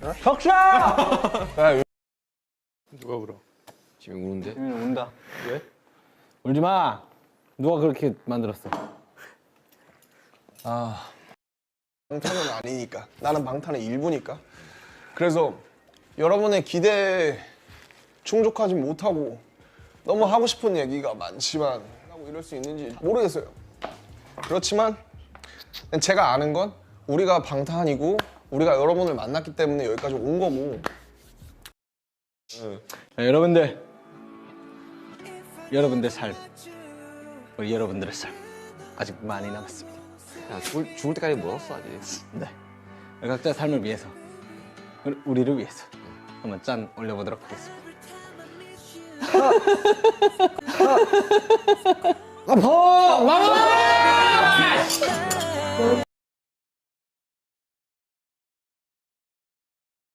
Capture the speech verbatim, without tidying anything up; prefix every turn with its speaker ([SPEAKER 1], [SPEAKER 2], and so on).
[SPEAKER 1] 덕샤!
[SPEAKER 2] 누가 울어?
[SPEAKER 3] 지금 우는데?
[SPEAKER 1] 지민이 운다.
[SPEAKER 2] 왜?
[SPEAKER 1] 울지 마. 누가 그렇게 만들었어?
[SPEAKER 4] 아 방탄은 아니니까. 나는 방탄의 일부니까. 그래서 여러분의 기대에 충족하지 못하고 너무 하고 싶은 얘기가 많지만 하고 이럴 수 있는지 모르겠어요. 그렇지만 제가 아는 건 우리가 방탄이고 우리가 여러분을 만났기 때문에 여기까지 온 거고.
[SPEAKER 1] 자, 여러분들, 여러분들 삶, 우리 여러분들의 삶 아직 많이 남았습니다.
[SPEAKER 3] 야, 죽을, 죽을 때까지 멀었어 아직.
[SPEAKER 1] 네, 각자 삶을 위해서, 우리- 우리를 위해서 한번 짠 올려보도록 하겠습니다. 아파! 마마!